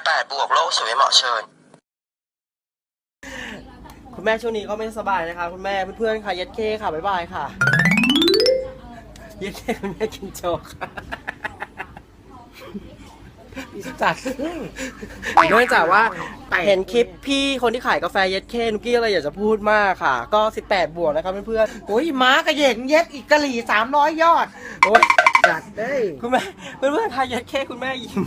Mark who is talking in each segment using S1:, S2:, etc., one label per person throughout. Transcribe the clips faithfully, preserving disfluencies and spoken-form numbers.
S1: แปดบวกโลกสวยเหมาะเชิญ
S2: คุณแม่ช่วงนี้ก็ไม่สบายนะคะคุณแม่เพื่อนๆค่ะเย็ดเคค่ะบ๊ายบายค่ะเย็ดเคคุณแม่กินโจ๊กค่ะจัดเนื่องจากว่าเห็นคลิปพี่คนที่ขายกาแฟเย็ดเคนุกกี้อะไรอยากจะพูดมากค่ะก็สิบแปดบวกนะครับเพื่อนๆ
S3: โอ้ยม้ากระเหยงเย็ดอีกกะหรี่สามร้อยยอดโอ้ยจัดได้
S2: คุณแม่เพื่อนๆค่ะเย็ดเคคุณแม่ยิ้ม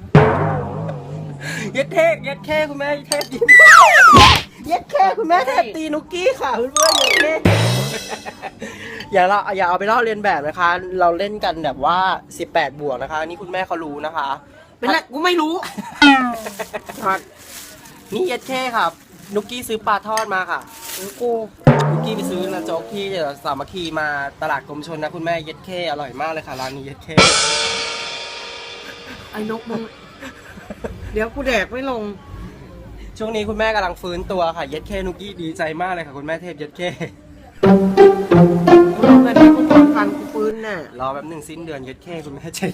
S2: เย็ดเทพเย็ดเคคุณแม่เทพยิ้มเย็ดเคคุณแม่เทพตีนุกกี้ค่ะเพื่อนๆเย็ดเคอย่าเราอย่าเอาไปลอกเลียนแบบนะคะ เราเล่นกันแบบว่าสิบแปดบวกนะคะนี่คุณแม่เขารู้นะคะ
S3: เป็นไรกูไม่รู้
S2: นี่เย็ดเคครับนุกกี้ซื้อปลาทอดมาค่ะกูนุกกี้ไปซื้อนะโจ๊กที่สามัคคีมาตลาดกรมชนนะคุณแม่เย็ดเคอร่อยมากเลยค่ะร้านนี้เย็ดเค
S3: ไอ้นกมึงเดี๋ยวกูแดกไม่ลง
S2: ช่วงนี้คุณแม่กำลังฟื้นตัวค่ะเย็ดเคนุกกี้ดีใจมากเลยค่ะคุณแม่เทพเย็ดเค
S3: กูลงกันที่กูทำฟันกูฟื้นน่ะ
S2: รอแป๊บหนึ่งสิ้นเดือนเย็ดเคคุณแม่ใจ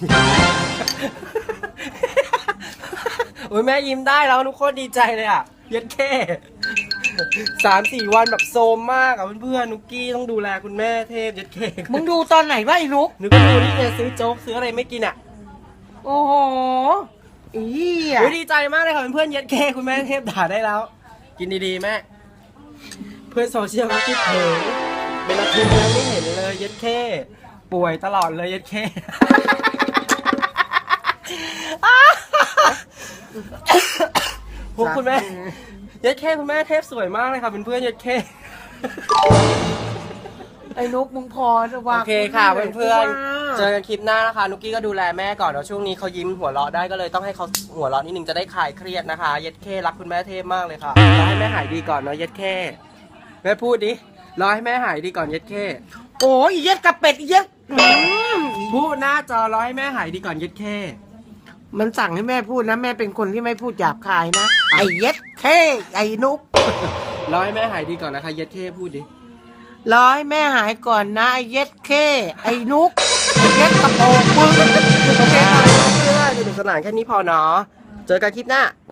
S2: โอ้ยแม่ยิ้มได้แล้วนุกโคตรดีใจเลยอ่ะเย็ดเคสามสี่วันแบบโซมมากอ่ะเพื่อนๆนุกกี้ต้องดูแลคุณแม่เทพเย็ดเค
S3: มึงดูตอนไหนวะไอ้นุก
S2: นุกก็ดูนี่เนี่ยซื้อโจ๊กซื้ออะไรไม่กินอ่ะ
S3: โอ้โหอีอ่ะ
S2: ดีใจมากเลยค่ะเพื่อนๆเย็ดเคคุณแม่เทพด่าได้แล้วกินดีๆแม่เพื่อนโซเชียลเขาคิดถึงเป็นอาทิตย์แล้วไม่เห็นเลยเย็ดเคป่วยตลอดเลยเย็ดเคพวกคุณแม่เย็ดเคคุณแม่เทพสวยมากเลยค่ะเป็นเพื่อนเย็ดเค
S3: ไอ้นุกมึงพอจะว่า
S2: โอเคค่ะเพื่อนๆเจอกันคลิปหน้านะคะนุกกี้ก็ดูแลแม่ก่อนเดี๋ยวช่วงนี้เขายิ้มหัวเราะได้ก็เลยต้องให้เขาหัวเราะนิดนึงจะได้คลายเครียดนะคะเย็ดเครักคุณแม่เทพมากเลยค่ะรอให้แม่หายดีก่อนเนาะเย็ดเคแม่พูดดิรอให้แม่หายดีก่อนเย็ดเค
S3: โอ้ยเย็ดกระเป็ดเย็ด
S2: พูดหน้าจอรอให้แม่หายดีก่อนเย็ดเค
S3: มันสั่งให้แม่พูดนะแม่เป็นคนที่ไม่พูดหยาบคายนะไอ้เย็ดเคไอ้นุก
S2: รอให้แม่หายดีก่อนนะคะเย็ดเคพูดดิ
S3: รอให้แม่หายก่อนนะไอ้เย็ดเคไอ้นุกไอ้เย็ดกระโปรงมึง
S2: โอเคค่ะเพื่อนๆสนุกสนานแค่นี้พอเนาะเจอกันคลิปหน้า